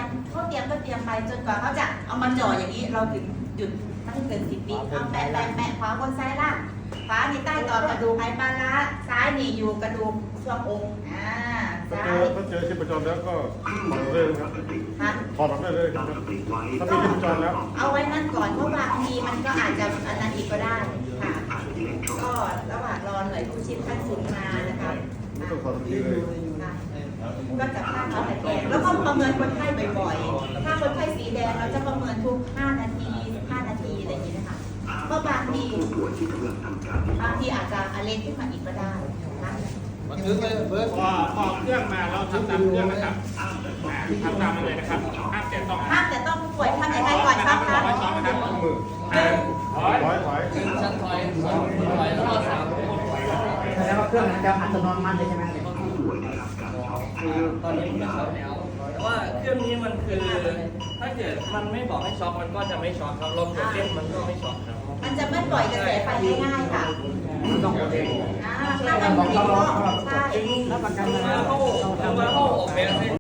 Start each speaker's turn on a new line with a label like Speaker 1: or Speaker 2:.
Speaker 1: นั้นเขาเตรียมก็เตรียมไปจนกว่าเขาจะเอามาจ่ออย่างนี้เราถึงหยุดไม่ให้เกิน10 วิเอาแปะขวาบนซ้ายล่างขวานี่ใต้ต่อกระดูกไหปลาร้าซ้ายนี่อยู่กระดูกช่วงอกซ้าย
Speaker 2: ถ้าเจอชีพจรแล้วก็ถอดเลยครับถอดออกได้เลยครับถ้ามีชีพจรแล้ว
Speaker 1: เอาไว้นั่นก่อนเพราะบางทีมันก็อาจจะอันนั้นอีกก็ได้ค่ะก็ระหว่างรอหน่วยกู้ชีพขั้นสูงมานะคะก็จะค่าเขาแต่แกงแล้วก็ประเมินคนไข้บ่อยๆถ้าคนไข้สีแดงเราจะประเมินทุก5 นาที15 นาทีอะไรอย่างนี้นะคะเพราะบางทีอาจจะอะไรขึ้นมาอีกก็ได้
Speaker 3: บันทึกเลยเบิร์ด
Speaker 4: พอเครื่องมาเราทำตามเครื่องนะครับทำตามเลยนะครับห้ามแต่ต้อง
Speaker 1: ผู้ป่วยทำยังไงก่อนครับคะ
Speaker 2: มือถอย
Speaker 3: ชั้นถอยแล้วก็3
Speaker 5: แสดงว่าเครื่องนั้นจะอัตโนมัติเลยใช่ไหม
Speaker 3: ตอนนี้มันช็อตแล้วแต่ว่าเครื่องนี้มันคือถ้าเกิดมันไม่บอกให้ช็อตมันก็จะไม่ช็อตครับลมกดเล่นมันก็ไม่ช็อตครับ
Speaker 1: มันจะไม่ปล่อยกระแสไฟง่ายๆค่ะ
Speaker 5: ต้องกดเอง
Speaker 1: ถ้ามันมีข้อใช่
Speaker 5: แล้วประกัน
Speaker 3: คือว่าเขาออกแบบ